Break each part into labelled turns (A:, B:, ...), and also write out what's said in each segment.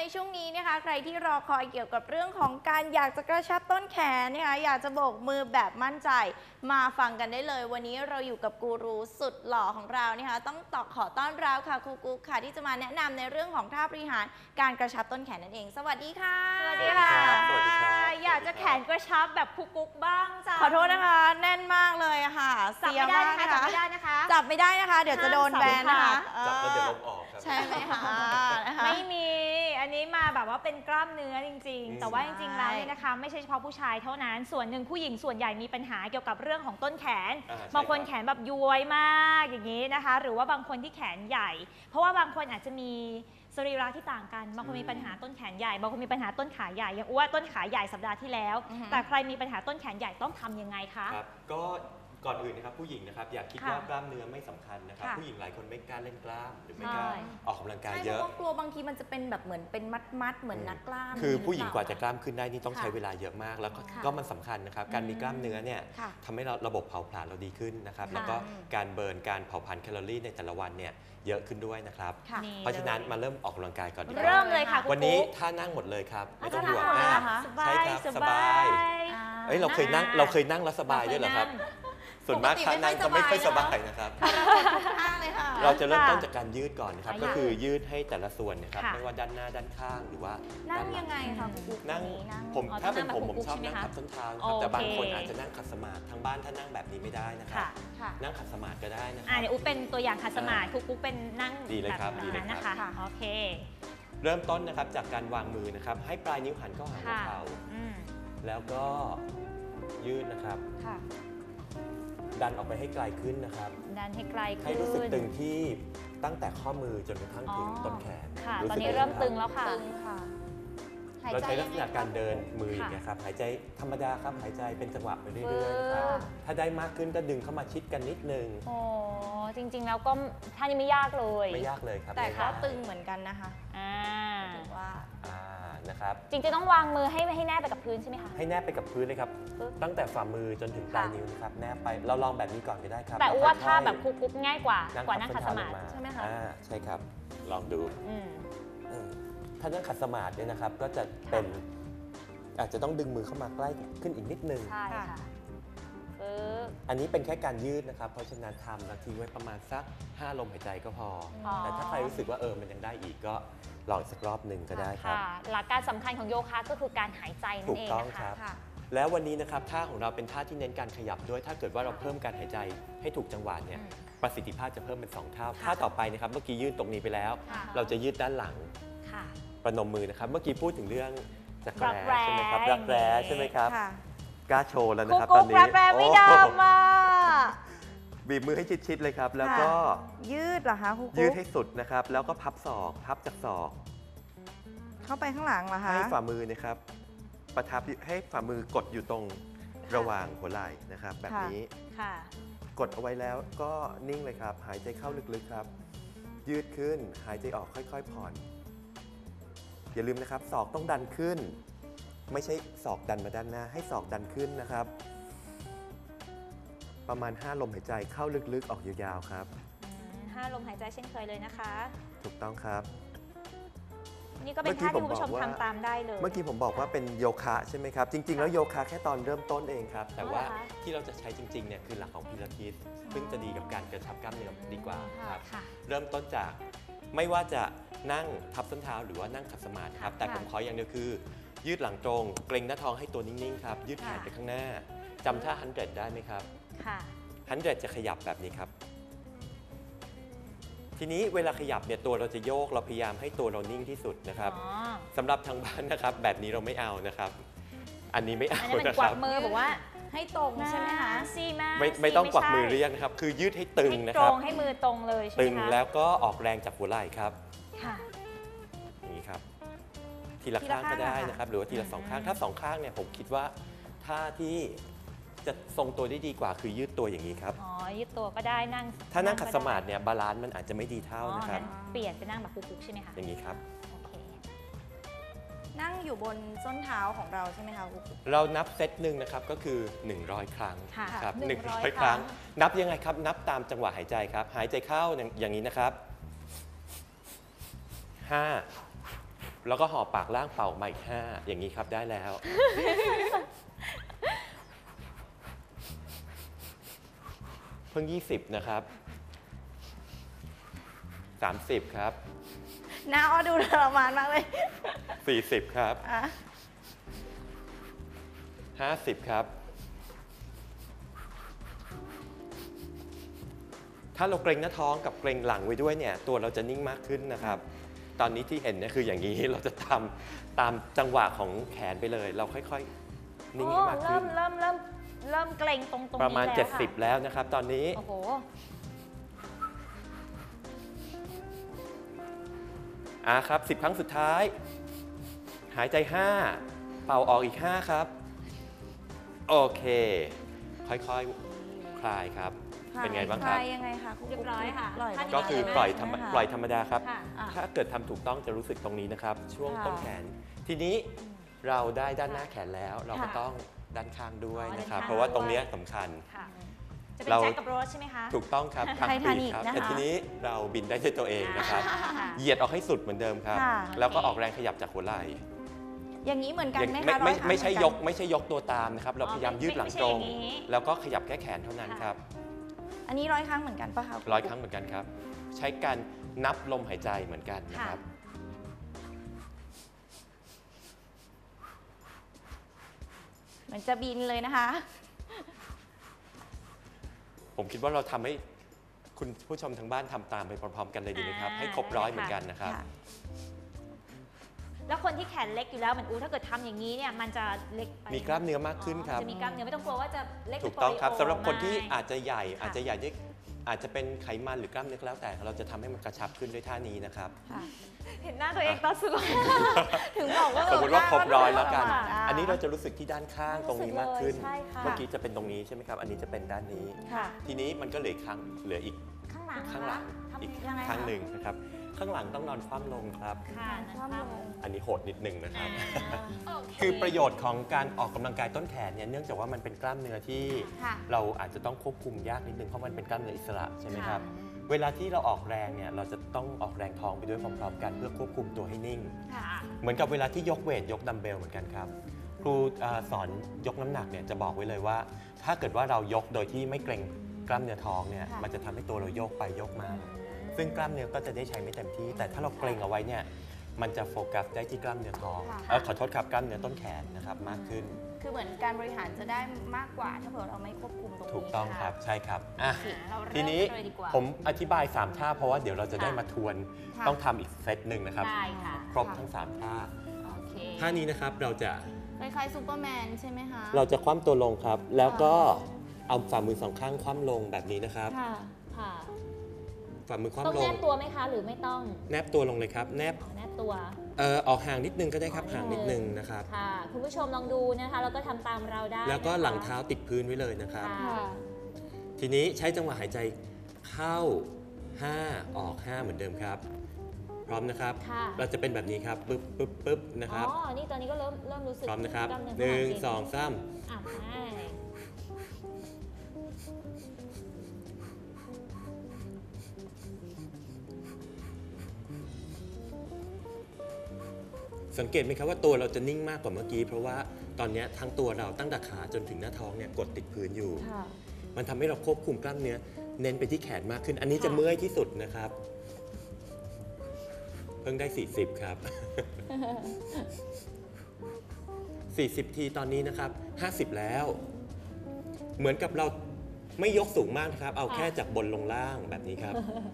A: ในช่วงนี้นะคะใครที่รอคอยเกี่ยวกับเรื่องของการอยากจะกระชับต้นแขนนะคะอยากจะโบกมือแบบมั่นใจมาฟังกันได้เลยวันนี้เราอยู่กับกูรูสุดหล่อของเรานะคะต้องขอต้อนรับค่ะครูกุ๊กค่ะที่จะมาแนะนำในเรื่องของท่าบริหารการกระชับต้นแขนนั่นเองสวัสดีค่ะ
B: สวัสดีค่ะ
C: สวัสดีครับ
B: อยากจะแขนกระชับแบบครูกุ๊กบ้างจ้ะ
A: ขอโทษนะคะแน่นมากเลยค่ะ
B: จับไม่ได้นะคะจับไม่ได้นะคะ
A: จับไม่ได้นะคะเดี๋ยวจะโดนแบนนะคะ
C: จับแล้วเดี๋ยวลมออกครับ
A: ใช่ไหมคะนะคะ
B: ไม่มีอันนี้มาแบบว่าเป็นกล้ามเนื้อจริงๆแต่ว่าจริงๆแล้วเนี่ยนะคะไม่ใช่เฉพาะผู้ชายเท่านั้นส่วนหนึ่งผู้หญิงส่วนใหญ่มีปัญหาเกี่ยวกับเรื่องของต้นแขนบางคนแขนแบบย้วยมากอย่างนี้นะคะหรือว่าบางคนที่แขนใหญ่ เพราะว่าบางคนอาจจะมีสรีระที่ต่างกันบางคนมีปัญหาต้นแขนใหญ่บางคนมีปัญหาต้นขาใหญ่อย่างอ้วนต้นขาใหญ่สัปดาห์ที่แล้วแต่ใครมีปัญหาต้นแขนใหญ่ต้องทำยังไงคะ
C: ครับก็ก่อนอื่นนะครับผู้หญิงนะครับอย่าคิดว่ากล้ามเนื้อไม่สำคัญนะครับผู้หญิงหลายคนไม่กล้าเล่นกล้ามหรือไม่กล้าออกกำลังกายเยอะ
A: ใช่เพราะกลัวบางทีมันจะเป็นแบบเหมือนเป็นมัดเหมือนนักกล้าม
C: คือผู้หญิงกว่าจะกล้ามขึ้นได้นี่ต้องใช้เวลาเยอะมากแล้วก็มันสำคัญนะครับการมีกล้ามเนื้อเนี่ยทำให้เราระบบเผาผลาญเราดีขึ้นนะครับแล้วก็การเบิร์นการเผาผลาญแคลอรี่ในแต่ละวันเนี่ยเยอะขึ้นด้วยนะครับเพราะฉะนั้นมาเริ่มออกกำลังกายก่อนดีกว่า
B: เริ่มเลยค่ะ
C: วันนี้ท่านั่งหมดเลยครับไม่ต้องห่วงใช่ครับสบายเราเคยนั่งแล้วสบายด้วยเหรอครับส่วนมากท่านั่งก็ไม่ค่อยสบายนะครับเราจะเริ่มต้นจากการยืดก่อนนะครับก็คือยืดให้แต่ละส่วนนะครับไม่ว่าด้านหน้าด้านข้างหรือว่า
A: นั่งยังไงคะ
C: นั่งผมถ้าเป็นผมชอบนั่งขัดส้นเท้าครับแต่บางคนอาจจะนั่งขัดสมาธิทางบ้านถ้านั่งแบบนี้ไม่ได้นะครับนั่งขัดสมาธิก็ได้นะครับ
B: เดี๋ยวอุ๊เป็นตัวอย่างขัดสมาธิคุกเป็นนั่งแบบนั้นนะคะโอเค
C: เริ่มต้นนะครับจากการวางมือนะครับให้ปลายนิ้วหันเข้าหาหัวเข่าแล้วก็ยืดนะครับดันออกไปให้ไกลขึ้นนะครับ
B: ดันให้ไกลขึ้น
C: ให้รู้สึกตึงที่ตั้งแต่ข้อมือจนกระทั่งถึงต้นแขน
B: ค่ะตอนนี้เริ่มตึงแล้วค่ะ
C: เราใช้ลักษณะการเดินมืออย่างเงี้ยครับหายใจธรรมดาครับหายใจเป็นจังหวะไปเรื่อยๆนะครับถ้าได้มากขึ้นก็ดึงเข้ามาชิดกันนิดนึง
B: โอ้จริงๆแล้วก็ท่านี้ไม่ยากเลย
C: ไม่ยากเลยครับ
A: แต่ก็ตึงเหมือนกันนะคะ
C: ถือว่านะครับ
B: จริงๆต้องวางมือให้แนบไปกับพื้นใช่ไหมคะ
C: ให้แนบไปกับพื้นเลยครับตั้งแต่ฝ่ามือจนถึงปลายนิ้วนะครับแนบไปเราลองแบบนี้ก่อนก็ได้ครับ
B: แต่ว่าถ้าแบบคุกง่ายกว่านั่งขัดสมาธิ
A: ใช่ไหมคะ
C: ใช่ครับลองดูถ้านั่งขัดสมาธิเนี่ยนะครับก็จะเป็นอาจจะต้องดึงมือเข้ามาใกล้ขึ้นอีกนิดนึง
B: ใช่ค่ะ
C: อันนี้เป็นแค่การยืดนะครับเพราะฉะนั้นทำแล้วทิ้งไว้ประมาณสัก5 ลมหายใจก็พอแต่ถ้าใครรู้สึกว่ามันยังได้อีกก็ลองอีกสักรอบหนึ่งก็ได้ครับ
B: หลักการสำคัญของโยคะก็คือการหายใจนั่นเอง
C: นะคะแล้ววันนี้นะครับท่าของเราเป็นท่าที่เน้นการขยับด้วยถ้าเกิดว่าเราเพิ่มการหายใจให้ถูกจังหวะเนี่ยประสิทธิภาพจะเพิ่มเป็น2 เท่าท่าต่อไปนะครับเมื่อกี้ยืดตรงนี้ไปแล้วเราจะยืดด้านหลังประนมมือนะครับเมื่อกี้พูดถึงเรื่องจักรแร้ใช่ไหมครับรักแร้ใช่ไหมครับกล้าโชว์แล้วนะครับตอนนี้
B: รักแร้ไม่ดำมา
C: บีบมือให้ชิดๆเลยครับแล้วก็
A: ยืดเหรอคะครู
C: ยืดให้สุดนะครับแล้วก็พับศอกพับจากศอก
A: เข้าไปข้างหลังเหรอคะ
C: ให้ฝ่ามือนะครับประทับให้ฝ่ามือกดอยู่ตรงระหว่างหัวไหล่นะครับแบบนี้กดเอาไว้แล้วก็นิ่งเลยครับหายใจเข้าลึกๆครับยืดขึ้นหายใจออกค่อยๆผ่อนอย่าลืมนะครับศอกต้องดันขึ้นไม่ใช่ศอกดันมาด้านหน้าให้ศอกดันขึ้นนะครับประมาณ5 ลมหายใจเข้าลึกๆออกยาวๆครับ
B: 5 ลมหายใจเช่นเคยเลยนะคะ
C: ถูกต้องครับ
B: นี่ก็เป็นท่าที่คุณผู้ชมทำตามได้เลย
C: เมื่อกี้ผมบอกว่าเป็นโยคะใช่ไหมครับจริงๆแล้วโยคะแค่ตอนเริ่มต้นเองครับแต่ว่าที่เราจะใช้จริงๆเนี่ยคือหลักของพิลาทิสซึ่งจะดีกับการกระชับกล้ามเนื้อดีกว่าครับเริ่มต้นจากไม่ว่าจะนั่งทับส้นเท้าหรือว่านั่งขัดสมาธิครับแต่ผมขออย่างเดียวคือยืดหลังตรงเกร็งหน้าท้องให้ตัวนิ่งๆครับยืดแขนไปข้างหน้าจำท่า100ได้ไหมครับ100จะขยับแบบนี้ครับทีนี้เวลาขยับเนี่ยตัวเราจะโยกเราพยายามให้ตัวเรานิ่งที่สุดนะครับสำหรับทางบ้านนะครับแบบนี้เราไม่เอานะครับอันนี้ไม่เอา
B: นะครับกวักมือบอกว่า
A: ให้ตรงใช่ไหมคะ
C: ไม่ต้องกวักมือเรียกนะครับคือยืดให้ตึงนะครับ
B: ให้มือตรงเลย
C: ตึงแล้วก็ออกแรงจากหัวไหล่ครับนี่ครับทีละข้างก็ได้นะครับหรือว่าทีละ2 ข้างถ้า2 ข้างเนี่ยผมคิดว่าท่าที่จะทรงตัวได้ดีกว่าคือยืดตัวอย่างนี้ครับ
B: ยืดตัวก็ได้นั่ง
C: ถ้านั่งขัดสมาธิเนี่ยบาลานซ์มันอาจจะไม่ดีเท่านะครับ
B: เปลี่ยนไปนั่งแบบคุกๆใช่ไหมคะ
C: อย่างนี้ครับ
A: นั่งอยู่บนส้นเท้าของเราใช่ไหมคะครู
C: เรานับเซตหนึ่งนะครับก็คือ100 ครั้งครับ100 ครั้งนับยังไงครับนับตามจังหวะหายใจครับหายใจเข้าอย่างนี้นะครับ5 แล้วก็ห่อปากล่างเป่ามาอีก5อย่างนี้ครับได้แล้ว เพิ่ง20นะครับ30ครับ
A: หน้าอ้อดูทรมานมากเลย
C: 40ครับ
A: อ่ะ
C: 50ครับถ้าเราเกร็งหน้าท้องกับเกร็งหลังไว้ด้วยเนี่ยตัวเราจะนิ่งมากขึ้นนะครับ ตอนนี้ที่เห็นเนี่ยคืออย่างนี้เราจะทำตามจังหวะของแขนไปเลย เราค่อยๆนิ่งให้มากขึ้น
B: เริ่มเกร็งตรงนี้
C: ประมาณ
B: แล้วค่ะ
C: 70แล้วนะครับตอนนี้
B: โอ้โห
C: ครับ10 ครั้งสุดท้าย หายใจ5เป่าออกอีก5ครับโอเคค่อยๆคลายครับเป็นไงบ้างครับ
A: คลายยังไงคะครู
B: เรียบร้อยค่ะ
A: ปล่อย
B: ท่าน
C: ก็คือปล่อยธรรมดาครับ
B: ค่ะ
A: อ่ะ
C: ถ้าเกิดทำถูกต้องจะรู้สึกตรงนี้นะครับ ช่วง
A: ค่ะ
C: ต้นแขน ทีนี้เราได้ด้านหน้าแขนแล้ว เราก็
A: ค่ะ
C: ต้องด้านข้างด้วยนะครับ
B: ด้านข้าง
C: เพราะว่าตรงเนี้ยสำคัญ
B: ค่ะ จะเป็น
C: เรา
B: แจ็คกับโรสใช่ไหมคะ
C: ถูกต้องครับทาง
A: ไททา
C: ปี
A: นิ
C: ก
A: ก
C: ครับ
A: นะคะ
C: แต่ทีนี้เราบินได้ด้วยตัวเองนะครับ
B: ค่ะ
C: เหยียดออกให้สุดเหมือนเดิมครับ
A: ค่ะ
C: แล้วก็ออกแรงขยับจากหัวไหล่
A: อย่างนี้เหมือนกัน
C: อย่าง
A: ไหม
C: ไม่
A: คะ
C: ไม่
A: ร้อยครั้ง
C: ไม่ใช่
A: เห
C: ย
A: อน
C: ก
A: น
C: ไม่ใช่ยกตัวตามนะครับ เรา
B: อ๋อ
C: พยายามยืดหลัง
B: ไม่ใช่
C: ตรง
B: อย่างนี้
C: แล้วก็ขยับแค่แขนเท่านั้นครับ
A: อันนี้100 ครั้งเหมือนกันปะคะ
C: 100 ครั้งเหมือนกันครับ ใช้การนับลมหายใจเหมือนกันนะครับ
A: เหมือนจะบินเลยนะคะ
C: ผมคิดว่าเราทำให้คุณผู้ชมทางบ้านทำตามไปพร้อมๆ กันเลยดีไหมครับ ให้ครบ100เหมือนกันนะครับ
A: ค่ะ
B: แล้วคนที่แขนเล็กอยู่แล้วเหมือนถ้าเกิดทำอย่างนี้เนี่ยมันจะเล็กไป
C: มีกล้ามเนื้อมากขึ้นครับ
B: จะมีกล้ามเนื้อไม่ต้องกลัวว่าจะเล็ก
C: ถูกต้องครับ
B: เป็น
C: สำหรับคนที่
B: ไม่
C: อาจจะใหญ่
B: ค่ะ
C: อาจจะใหญ่ด้วยอาจจะเป็นไขมันหรือกล้ามเนื้อก็แล้วแต่ เราจะทำให้มันกระชับขึ้นด้วยท่านี้นะครับ
A: ค่ะ
B: เห็นหน้าตัวเองตอนสุด
A: ถึงบอกว่า
C: สมมติว่าครบ100แล้วกัน
A: ได้
C: อันนี้เราจะรู้สึกที่ด้านข้างตรงนี้มากขึ้น
B: ใช่ค่ะ
C: เมื่อกี้จะเป็นตรงนี้ใช่ไหมครับ อันนี้จะเป็นด้านนี้
A: ค่ะ
C: ทีนี้มันก็เหลืออีก
B: ข้างหลัง
C: ข้างหลัง
B: ทำ
C: อีก
A: ยังไงคะ
C: ข้างหนึ่งนะครับ ข้างหลังต้องนอนคว่ำลงครับ
B: ค่ะ
A: คว่ำลง
C: อันนี้โหดนิดนึงนะครับ
B: โอเค
C: คือประโยชน์ของการออกกำลังกายต้นแขนเนี่ยเนื่องจากว่ามันเป็นกล้ามเนื้อที่
A: ค่ะ
C: เราอาจจะต้องควบคุมยากนิดนึงเพราะมันเป็นกล้ามเนื้ออิสระใช่ไหมครับ
B: ค่ะ
C: เวลาที่เราออกแรงเนี่ยเราจะต้องออกแรงท้องไปด้วยพร้อมๆกันเพื่อควบคุมตัวให้นิ่ง
B: ค่ะ
C: เหมือนกับเวลาที่ยกเวทยกดัมเบลเหมือนกันครับครูสอนยกน้ำหนักเนี่ยจะบอกไว้เลยว่า ถ้าเกิดว่าเรายกโดยที่ไม่เกร็งกล้ามเนื้อท้องเนี่ย
A: ค่ะ
C: มันจะทำให้ตัวเราโยกไปโยกมา ซึ่งกล้ามเนื้อก็จะได้ใช้ไม่เต็มที่ แต่ถ้าเราเกร็งเอาไว้เนี่ยมันจะโฟกัสได้ที่กล้ามเนื้อท้อง
A: ค่ะ
C: ขอโทษครับกล้ามเนื้อต้นแขนนะครับมากขึ้น
A: คือเหมือนการบริหารจะได้มากกว่าถ้าเผื่อเราไม่ควบคุมตรงนี้
C: ถูกต้องครับใช่ครับอ่ะ
B: เราเริ่ม
C: ทีนี้
B: กันเลยดีกว่า
C: ผมอธิบาย 3 ท่าเพราะว่าเดี๋ยวเราจะได้
B: ค่ะ
C: มาทวน
A: ค่ะ
C: ต้องทำอีกเซตหนึ่งนะครับ
B: ได้ค่ะ
C: ครบทั้ง 3 ท่า
B: โอเค
C: ท่านี้นะครับเราจะ
A: คล้ายๆซูเปอร์แมนใช่ไหมคะ
C: เราจะคว่ำตัวลงครับ แล้วก็เอาฝ่ามือสองข้างคว่ำลงแบบนี้นะครับ
A: ค่ะ
B: ค่ะ
C: ฝ่ามือค
B: ต้อง
C: ว่ำล
B: แน
C: ง
B: บตัวไหมคะ หรือไม่ต้อง
C: แนบตัวลงเลยครับ แนบ
B: แนบตัว
C: ออกห่างนิดนึงก็ได้ครับห่างนิดนึงนะครับ
B: ค่ะ คุณผู้ชมลองดูนะคะ แล้วก็ทำตามเราได้
C: แล้วก็
B: นะคะ
C: หลังเท้าติดพื้นไว้เลยนะครับ
B: ค่ะ
C: ทีนี้ใช้จังหวะหายใจเข้า 5 ออก 5 เหมือนเดิมครับ พร้อมนะครับ
B: ค่ะ
C: เราจะเป็นแบบนี้ครับปึ๊บปึ๊บปึ๊บนะครับ
B: อ๋อ นี่ตอนนี้ก็เริ่มรู้สึก
C: พร้อมนะครับ
B: กล้ามเนื้อ
C: หนึ่ง
B: ข้าหลั
C: สองสาม
B: อ่ะไป
C: สังเกตไหมครับว่าตัวเราจะนิ่งมากกว่าเมื่อกี้ เพราะว่าตอนนี้ทั้งตัวเราตั้งแต่ขาจนถึงหน้าท้องเนี่ยกดติดพื้นอยู่
A: ค่ะ
C: มันทำให้เราควบคุมกล้ามเนื้อเน้นไปที่แขนมากขึ้น อันนี้จะเมื่อยที่สุดนะครับ เพิ่งได้ 40 ครับ 40 ทีตอนนี้นะครับ 50 แล้ว เหมือนกับเราไม่ยกสูงมากนะครับ เอาแค่จากบนลงล่างแบบนี้ครับ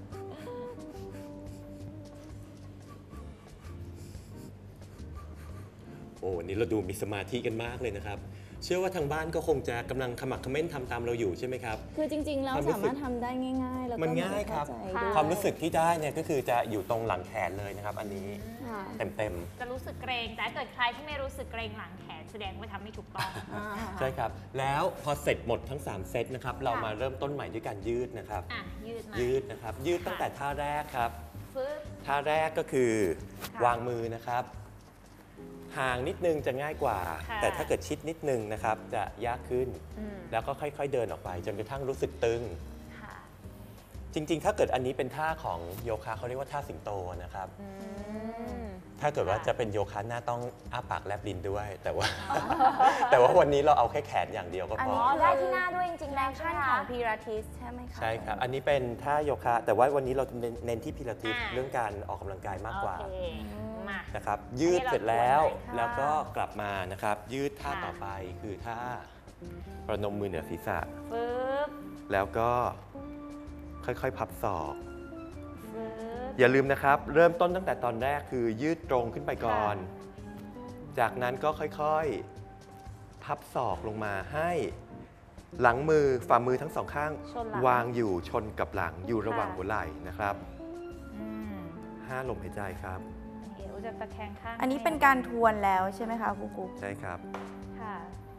C: โอ้วันนี้เราดูมีสมาธิกันมากเลยนะครับ เชื่อว่าทางบ้านก็คงจะกำลังขมักเขม้นทำตามเราอยู่ใช่ไหมครับ
A: คือจริงๆแล้ว
C: ความรู้สึก
A: สามารถทำได้ง่ายๆ แล้วก็
C: มันง่ายครับ
A: เข้ใจด้วย
C: ความรู้สึกที่ได้เนี่ยก็คือจะอยู่ตรงหลังแขนเลยนะครับ อันนี้
A: ค่ะ
C: เต็ม
B: จะรู้สึกเกรง แต่ถ้าเกิดใครที่ไม่รู้สึกเกรงหลังแขนแสดงว่าทำไม่ถูกต้อง
A: อ่า
C: ๆ ใช่ครับ แล้วพอเสร็จหมดทั้ง 3 เซตนะครับ เรามาเริ่มต้นใหม่ด้วยการยืดนะครับ
B: อ่ะ ยืดมา
C: ยืดนะครับ ยืดตั้งแต่ท่าแรกครับ
B: ฟึบ
C: ท่าแรกก็คือ
B: ค่ะ
C: วางมือนะครับ ห่างนิดนึงจะง่ายกว่า
B: ค่ะ
C: แต่ถ้าเกิดชิดนิดนึงนะครับ จะยากขึ้น
B: อืม
C: แล้วก็ค่อยๆเดินออกไป จนกระทั่งรู้สึกตึง
B: ค่ะ
C: จริงๆ ถ้าเกิดอันนี้เป็นท่าของโยคะเขาเรียกว่าท่าสิงโตนะครับ ถ้าเกิดว่าจะเป็นโยคะหน้าต้องอ้าปากแลบลิ้นด้วย แต่ว่า แต่ว่าวันนี้เราเอาแค่แขนอย่างเดียวก็
A: อัน
C: พอ
A: นี้
B: ได้ที่หน้าด้วยจริงๆ
A: แอ
B: แล้ว
A: ค
B: ใช่
A: ชั่น
B: ไหม
A: ขอ
B: คะ
A: งพีราทิสใช่ไหมคะ
C: ใช่ครับ อันนี้เป็นท่าโยคะ แต่ว่าวันนี้เราเน้นที่พิลาทิส
B: อ่า
C: เรื่องการออกกำลังกายมากกว่า
B: โอเคมา
C: นะครับ ยืดเสร็จแล้ว
A: ค่ะ
C: แล้วก็กลับมานะครับ ยืดท่า
B: ค่ะ
C: ต่อไปคือท่าประนมมือเหนือศีรษะ
B: ปึ๊บ
C: แล้วก็ค่อยๆ พับศอก
B: ปึ๊บ
C: อย่าลืมนะครับ เริ่มต้นตั้งแต่ตอนแรกคือยืดตรงขึ้นไปก่อน จากนั้นก็ค่อยๆ พับศอกลงมาให้หลังมือฝ่ามือทั้งสองข้าง
B: ชนหลัง
C: วางอยู่ชนกับหลังอยู่ระหว่าง
B: ค่ะ
C: หัวไหล่นะครับ
B: อืม
C: 5 ลมหายใจครับ
B: เดี๋ยวจะตะแคงข้าง
A: อันนี้เป็นการทวนแล้วใช่ไหมคะครูกุ๊ก
C: ใช่ครับ
B: ค่ะ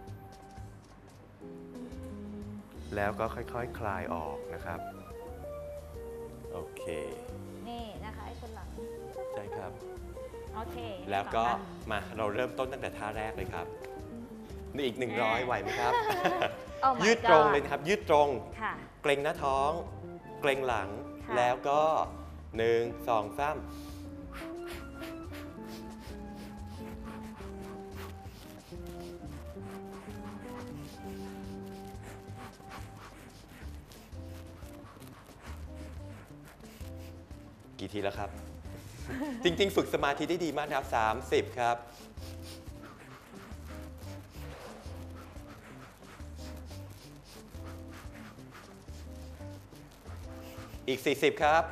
C: แล้วก็ค่อยๆ คลายออกนะครับ โอเค
B: นี่นะคะไอ้ชนหลัง
C: ใช่ครับ
B: โอเค
C: แล้วก็
B: ต่อค่ะ
C: มาเราเริ่มต้นตั้งแต่ท่าแรกเลยครับนี่อีก 100ไหวไหมครับ
A: Oh my
C: ยืดตรง
A: God
C: เลยนะครับ ยืดตรง
B: ค่ะ
C: เกร็งหน้าท้อง เกร็งหลัง
B: ค่ะ
C: แล้วก็ 1 2 3 กี่ทีแล้วครับ จริง ๆ ฝึกสมาธิได้ดีมากนะครับ 30 ครับ อีก 40 ครับ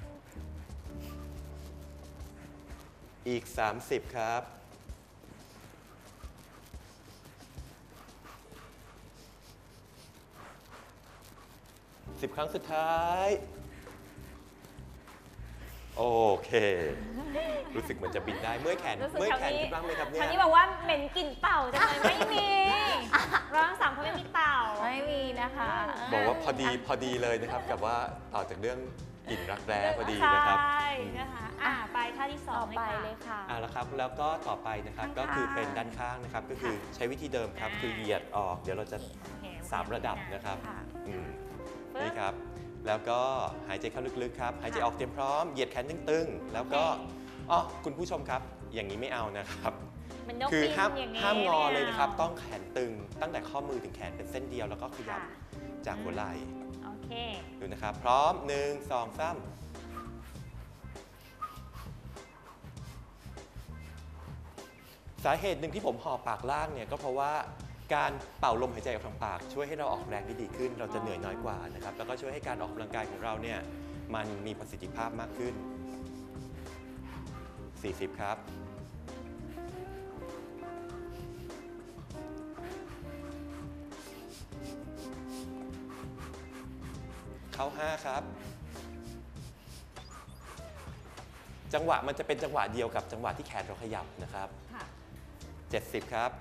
C: อีก 30 ครับ 10 ครั้งสุดท้าย โอเค รู้สึกเหมือนจะบินได้ เมื่อยแขน
B: รู้สึก
C: เมื่อย
B: ทาง
C: แขน
B: นี้
C: ขึ้นบ้างไหมครับเนี่
B: ทาง
C: ย
B: นี้บอกว่าเหม็นกลิ่นเต่าจังเลยไม่มีเราทั้งสามคนไม่มีเต่า
A: ไม่มีนะคะ
C: บอกว่าพอดีเลยนะครับ กับว่าต่อจากเรื่องกลิ่นรักแร้พอดีนะครับ
B: ใช่นะคะไปท่าที่สอ
A: ต่อง ไป
B: เล
A: เลย ย
B: ค่ะ
A: ค่ะ
C: แล้วครับแล้วก็ต่อไปนะครับ
B: ข้างๆ
C: ก็คือเป็นด้านข้างนะครับ ก็คือใช้วิธีเดิมครับ คือเหยียดออกเดี๋ยวเราจะ
B: โอเค
C: 3 ระดับนะครับ
A: ค่ะ
C: อืม
B: ปึ๊บ
C: นี่ครับ แล้วก็หายใจเข้าลึกๆครับ หายใจออกเตรียมพร้อมเหยียดแขนตึงๆแล้วก็อ๋อคุณผู้ชมครับ อย่างนี้ไม่เอานะครับ
B: มันนก
C: คือ
B: บิน
C: ห้าม
B: อย่างนี้
C: ห้ามงอ
B: ไม่
C: เลยนะครับ
B: า
C: ต้องแขนตึงตั้งแต่ข้อมือถึงแขนเป็นเส้นเดียวแล้วก็ขยับ
B: ค่ะ
C: จากหัวไหล่
B: โอเค
C: ดูนะครับ พร้อม 1 2 3 สาเหตุหนึ่งที่ผมห่อปากล่างเนี่ยก็เพราะว่าการเป่าลมหายใจออกทางปาก ช่วยให้เราออกแรงได้ดีขึ้น เราจะเหนื่อยน้อยกว่านะครับ แล้วก็ช่วยให้การออกกำลังกายของเราเนี่ยมันมีประสิทธิภาพมากขึ้น 40 ครับ เข้า 5 ครับ จังหวะมันจะเป็นจังหวะเดียวกับจังหวะที่แขนเราขยับนะครับ
B: ค่ะ
C: 70 ครับ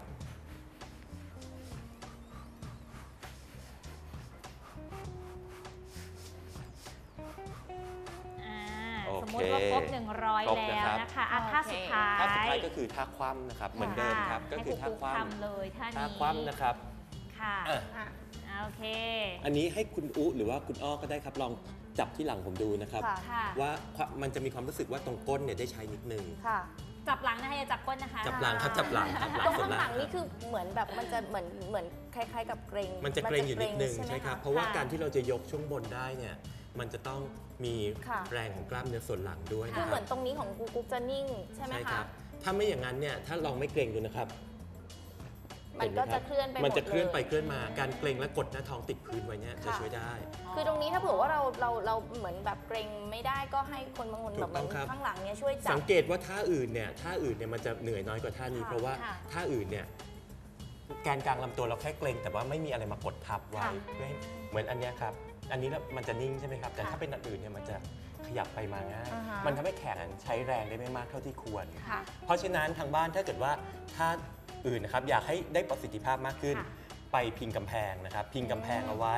C: โอ
B: สม
C: เค
B: มติว่าครบ100
C: ครบนะ
B: แล้ว
C: ครับ
B: นะคะท่าสุดท้าย
C: ท่าสุดท้ายก็คือท่าคว่ำนะครับ เหมือนเดิมครับ ก็คือท่า
B: ให้
C: คว่
B: ทำเลยท่า
C: ำท่า
B: นี้
C: คว่ำนะครับ
B: ค่ะ
C: อ่ะ
B: โอเค
C: อันนี้ให้คุณอุหรือว่าคุณอ้อก็ได้ครับลองจับที่หลังผมดูนะครับ
A: ค่ะ
B: ค่ะ
C: ว่ามันจะมีความรู้สึกว่าตรงก้นเนี่ยได้ใช้นิดนึง
A: ค่ะ
B: จับหลังนะคะอย่าจับก้นนะคะ
C: จับหลังครับจับหลังครับหลั
A: ตรง ง
C: ส่วน
A: ข้างหลั
C: ล่าง
A: งนี่คือเหมือนแบบมันจะเหมือนคล้ายๆกับเกรง
C: มันจะเกรงอยู่นิดนึง
A: ใช่ไหม
C: ใช่ครับ
A: ะ
C: เพราะว่าการที่เราจะยกช่วงบนได้เนี่ยมันจะต้องมี
A: ค่ะ
C: แรงของกล้ามเนื้อส่วนหลังด้วย
A: คือ
C: นะค
A: เหมื
C: รั
A: อบ นตรงนี้ของกูกุ๊กจะนิ่งใช่ไหม
C: ใช่ค
A: คะ
C: รับถ้าไม่อย่างนั้นเนี่ยถ้าลองไม่เกรงดูนะครับ
A: มันก็จะเคลื่อนไปหมด
C: มันจะเคลื่อนไป
A: เลย
C: เคลื่อนมาการเกรงและกดหน้าท้องติดพื้นไว้เนี่ยจะ
A: ค่ะ
C: ช่วยได้
A: คือตรงนี้ถ้าเผื่อว่าเราเหมือนแบบเกรงไม่ได้ก็ให้คนบางคน
C: ถู
A: แบบ
C: กต้องครับ
A: ข้างหลังเนี่ยช่วยจั
C: สั
A: บ
C: งเกตว่าท่าอื่นเนี่ยมันจะเหนื่อยน้อยกว่าท่านี้
A: ค่ะ
C: เพราะว่า
B: ค่ะ
C: ท่าอื่นเนี่ยแกนกลางลำตัวเราแค่เกรงแต่ว่าไม่มีอะไรมากดทับไว้
A: ค่ะ
C: เพื่อให้เหมือนอันเนี้ยครับอันนี้แล้วมันจะนิ่งใช่ไหมครับแต่
A: ค่ะ
C: ถ้าเป็นอันอื่นเนี่ยมันจะขยับไปมาง่าย
A: อ่าฮะ
C: มันทำให้แขนใช้แรงได้ไม่มากเท่าที่ควร
A: ค่ะ
C: เพราะฉะนั้นทางบ้านถ้าเกิดว่าท่าอื่นนะครับอยากให้ได้ประสิทธิภาพมากขึ้น
B: ค่ะ
C: ไปพิงกำแพงนะครับพิงกำแพงเอาไว้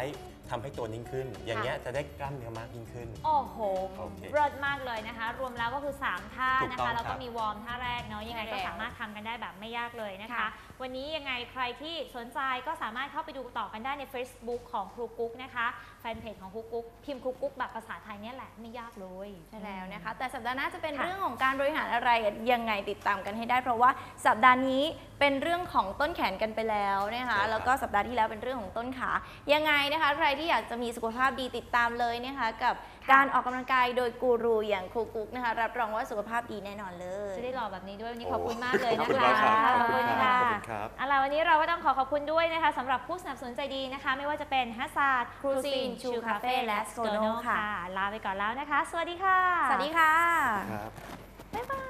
C: ทำให้ตัวนิ่งขึ้น อย่างเงี้ยจะได้กล้ามเนื้อมากยิ่งขึ้น
B: โอ้โห
C: โอเค
B: เลิศมากเลยนะคะ รวมแล้วก็คือ 3 ท่า
C: ถูก
B: นะ
C: ต้อง
B: คะ แล้วก็
C: ครับ
B: มีวอร์มท่าแรกเนาะ ยังไงก็
A: ใช่แล้ว
B: สามารถทำกันได้แบบไม่ยากเลยนะคะ
A: ค่ะ
B: วันนี้ยังไงใครที่สนใจก็สามารถเข้าไปดูต่อกันได้ใน Facebook ของครูกุ๊กนะคะ แฟนเพจของครูกุ๊ก พิมพ์ครูกุ๊กแบบภาษาไทยเนี่ยแหละ ไม่ยากเลย
A: ใช่แล้วนะคะ แต่สัปดาห์หน้าจะเป็น
B: ค่ะ
A: เรื่องของการบริหารอะไรยังไงติดตามกันให้ได้ เพราะว่าสัปดาห์นี้เป็นเรื่องของต้นแขนกันไปแล้วนะคะ
C: ใช่ครับ
A: แล้วก็สัปดาห์ที่แล้วเป็นเรื่องของต้นขา ยังไงนะคะใครที่อยากจะมีสุขภาพดีติดตามเลยนะคะกับการออกกำลังกายโดยกูรูอย่างครูกุ๊กนะคะรับรองว่าสุขภาพดีแน่นอนเลย
B: จะได้หล่อแบบนี้ด้วยวันนี้ขอบคุณมากเลย
C: ขอบ
B: นะ
C: คุณ
B: คะ
C: มากครับ
B: ขอบคุณค่ะ
C: ขอบคุณครับ
B: เอาล่ะวันนี้เราก็ต้องขอบคุณด้วยนะคะสำหรับผู้สนับสนุนใจดีนะคะ ไม่ว่าจะเป็นฮัสซาร์ด
A: Cuisine Chu Cafe และ Skono ค่ะ
B: ลาไปก่อนแล้วนะคะ สวัสดีค่ะ
A: สวัสดีค่ะ
C: ครับ
B: บ๊ายบาย